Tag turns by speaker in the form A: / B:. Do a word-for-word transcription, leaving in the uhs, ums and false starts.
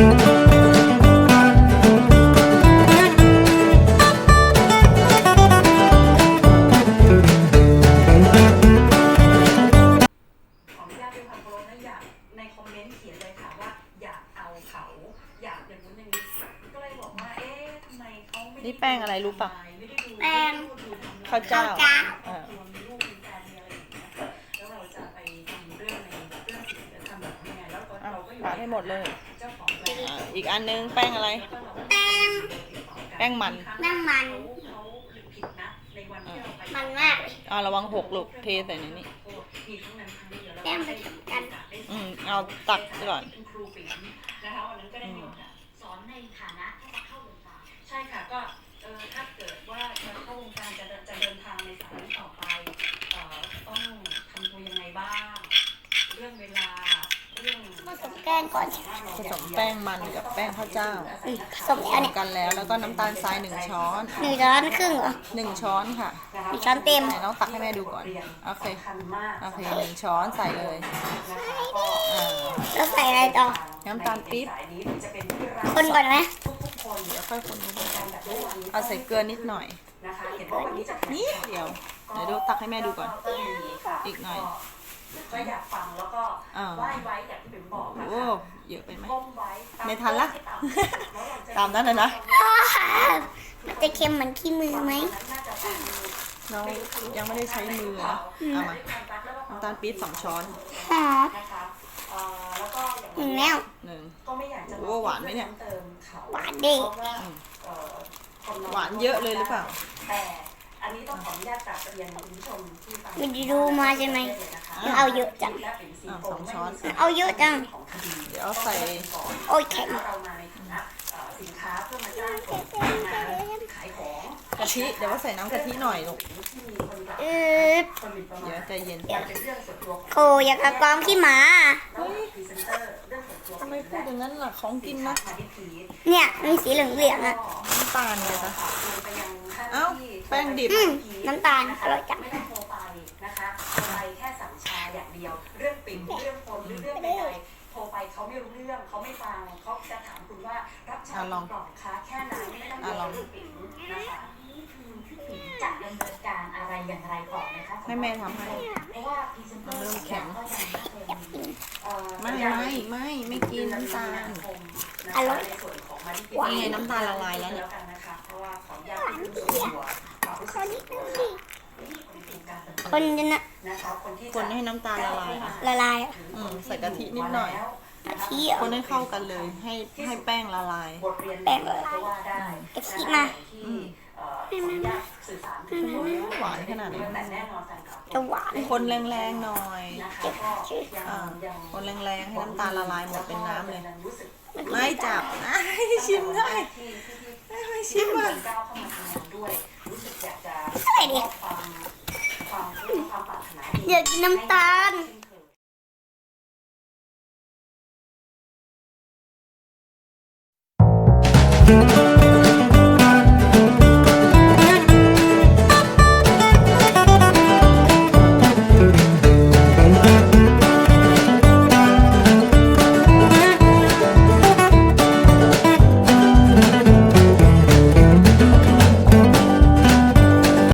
A: นี่แป้งอะไรรู้ปะ
B: แป้ง
A: ข้าวเจ้าอ่าปาดให้หมดเลยอ่าอีกอันนึงแป้งอะไร
B: แป้ง
A: แป้งมัน
B: แป้งมันมันมาก
A: อ่าระวังหกลูกเทใส่ในนี้
B: แป้งผสมกัน
A: อืมเอาตักก่อน
C: สอนในฐานะที่จะเข้าวงการใช่ค่ะก็เออถ้าเกิดว่าจะเข้าวงการจะจะเดินทางในสายนี้ต่อไปเอ่อต้องทำตัวยังไงบ้างเรื่องเวลาเรื่อง
B: ผสมแป้งก่อน
A: ผสมแป้งมันกับแป้งข้าวเจ้า
B: ผสมแล้วเนี่ย
A: กันแล้วแล้วก็น้ำตาลทรายหนึ่งช้อน
B: หนึ่งช้อนครึ่งเหรอ
A: หนึ่งช้อนค่ะ
B: หนึ่งช้อนเต็ม
A: ไหนน้องตักให้แม่ดูก่อนโอเคโอเคหนึ่งช้อนใส่เลย
B: แล้วใส่อะไรต่อ
A: น้ำตาลปี๊บ
B: คนก่อนไหม
A: เดี๋ยวค่อยคนเอาใส่เกลือนิดหน่อยนิดเดียวเดี๋ยวดูตักให้แม่ดูก่อนอีกหน่อย
C: ก็อยากฟังแล้วก็ไหว้ไว้อย่างที่ผมบอกนะ
A: โอ้เยอะไปไหมไม่ทันละตามนั้นเลยนะ
B: จะเค็มเหมือนขี้มือไหม
A: น้องยังไม่ได้ใช้มือนะเอามาน้ำตาลปี๊บสองช้อน
B: หอมหนึ่งแล้ว
A: หนึ่งโอ้หวานไหมเนี่ย
B: หวานดิ
A: หวานเยอะเลยหรือเปล่า
C: แต่อันนี้ต้องขออนุญาตกราบเรียนคุณผู้ชมที่ฟัง
B: มันดูมาใช่ไหมเอาเยอะจัง
A: สองช้อน
B: เอาเยอะจัง
A: เดี๋ยวใส่
B: โอ้ยแข็ง
C: สินค้าเพื่อมาจ้างคนขายของ
A: กะทิเดี๋ยวว่าใส่น้ำกะทิหน่อยลูก
B: เออ
A: เดี๋ยวใจเย็น
B: โคอยากกระกองขี้หมา
A: ทำไมพูดอย่างนั้นล่ะของกินนะ
B: เนี่ยมีสีเหลืองๆอ่ะ
A: น้ำตาลเลยนะเอ้าแป้งดิบ
B: น้ำตาลอร่อยจัง
C: ไม่ต้องโทรไปนะคะโทรไปแค่สั่งชาอย่างเดียวเรื่องปิ่นเรื่องคนเรื่องใดๆโทรไปเขาไม่รู้เรื่องเขาไม่ฟังเขาจะถามคุณว่ารับชากล่องคะแค่นั้นไม่ต้องเรื่องปิ่นนะคะจะดำเนินการอะไรอย่างไรต่อนะคะ
A: ให้แม่ทำให้
C: เพราะว่าพรีเซนเตอร์
A: เริ่มแข็งไม่ไม่ไม่ไม่กินน้ำตาล
B: อร่อย
A: นี่ไงน้ำตาลละลายแล้วเนี่ย
B: คนจะนะ
A: คนให้น้ำตาลละลาย
B: ละลาย
A: อืมใส่กะทินิดหน่อย
B: กะทิ
A: คนให้เข้ากันเลยให้ให้แป้งละลาย
B: แป้งละลายกะทิมา
A: หวานขนาดนี้
B: จะหวาน
A: คนแรงๆหน่อยคนแรงๆให้น้ำตาลละลายหมดเป็นน้ำเลยไม่จับให้ชิมได้ให้ชิมอ่ะ
B: อะไรดิอยากกินน้ำตาล